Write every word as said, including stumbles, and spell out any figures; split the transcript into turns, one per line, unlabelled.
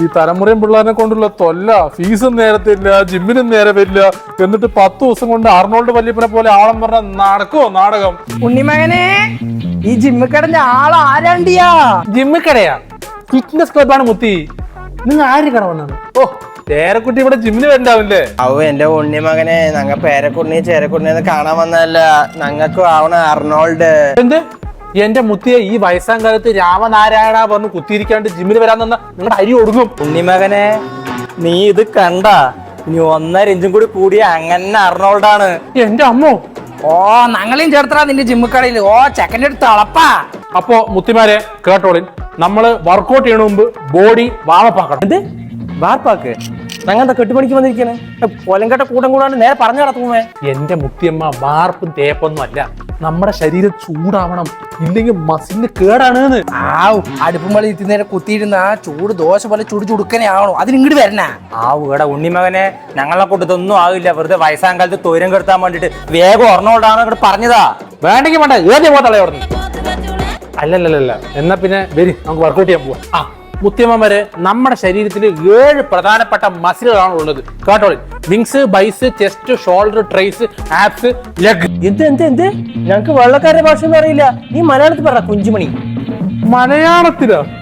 ഈ തലമുറയും പിള്ളേരെ കൊണ്ടുള്ള തൊല്ല, ഫീസും നേരത്തില്ല, ജിമ്മിനും നേരെ വരില്ല. എന്നിട്ട് പത്ത് ദിവസം കൊണ്ട് അർണോൾഡ് വല്യപ്പനെ പോലെ ആളം പറഞ്ഞ നടക്കുവോ നാടകം?
ഉണ്ണിമകനെ, ഈ ജിമ്മിക്കടന്റെ ആൾ ആരാണ്ടിയാ?
ജിമ്മിക്കടയാ? ഫിറ്റ്നസ് ക്ലബാണ് മുത്തി. നിങ്ങൾ ആര് കട വന്നാണ്? ഓ, പേരക്കുട്ടി ഇവിടെ ജിമ്മിന് വരണ്ടാവില്ലേ?
ഔ എന്റെ ഉണ്ണിമകനെ, ഞങ്ങ പേരക്കുണ്ണി ചേരക്കുണ്ണിന്ന് കാണാൻ വന്നതല്ല, ഞങ്ങൾക്കും ആവണ അർണോൾഡ്.
എന്ത്? എന്റെ മുത്തിയെ ഈ വയസ്സാം കാലത്ത് രാമനാരായണ പറഞ്ഞ് കുത്തിയിരിക്കാണ്ട് ജിമ്മിന് വരാൻ തന്ന നിങ്ങളുടെ അരി ഒടുങ്ങും.
ഉണ്ണിമകനെ, നീ ഇത് കണ്ട? ഇനി ഒന്നര ഇഞ്ചും കൂടി കൂടിയ അങ്ങനെ അർണോൾഡാണ്.
എന്റെ അമ്മോ!
ഓ, ഞങ്ങളെയും ചേർത്തടാ നിന്റെ ജിമ്മിക്കടയിൽ. ഓ, ചെക്കൻ്റെ അടുത്ത് അളപ്പാ.
അപ്പോ മുത്തിമാരെ കേട്ടോളിൻ, നമ്മള് വർക്കൗട്ട് ചെയ്യണ മുമ്പ് ബോഡി വാമപ്പാക്കണം.
എന്ത് വാർപ്പാക്ക്? ഞങ്ങന്താ കെട്ടുപണിക്ക് വന്നിരിക്കണേ? പൊലങ്കട്ട കൂട്ടം കൂടാണ്ട് നേരെ പറഞ്ഞു നടത്തുമേ.
എന്റെ മുത്തിയമ്മ വാർപ്പും തേപ്പൊന്നും അല്ല, നമ്മുടെ ശരീരം ചൂടാവണം, ഇല്ലെങ്കിൽ മസിലിന് കേടാണ്.
ആവ്, അടുപ്പും വളി നേരെ കുത്തിയിരുന്ന ആ ചൂട് ദോശ പോലെ ചുടു ചുടുക്കനെ ആവണോ? അതിന് ഇങ്ങോട്ട് വരണ.
ആ ഇവിടെ ഉണ്ണിമകനെ, ഞങ്ങളെ കൂട്ടത്തൊന്നും ആവില്ല. വെറുതെ വയസ്സാം കാലത്ത് തൊരം കെടുത്താൻ വേണ്ടിട്ട് വേഗം അർണോൾഡാണ് ഇവിടെ പറഞ്ഞതാ.
വേണ്ടെങ്കിൽ വേണ്ട, ഏതേ പോത്തളെ അവിടെ. അല്ലല്ലല്ല, എന്നാ പിന്നെ വരി, നമുക്ക് വർക്കൗട്ട് ചെയ്യാൻ പോവാം. ആ മുത്തിയമ്മമാരെ, നമ്മുടെ ശരീരത്തിൽ ഏഴ് പ്രധാനപ്പെട്ട മസിലുകളാണ് ഉള്ളത്. കേട്ടോളി: wings, bis, chest, shoulder, tris, abs, leg.
എന്ത് എന്ത് എന്ത് ഞങ്ങക്ക് വെള്ളക്കാരുടെ ഭാഷ ഒന്നും അറിയില്ല. നീ മലയാളത്തിൽ പറ കുഞ്ചുമണി.
മലയാളത്തിലോ?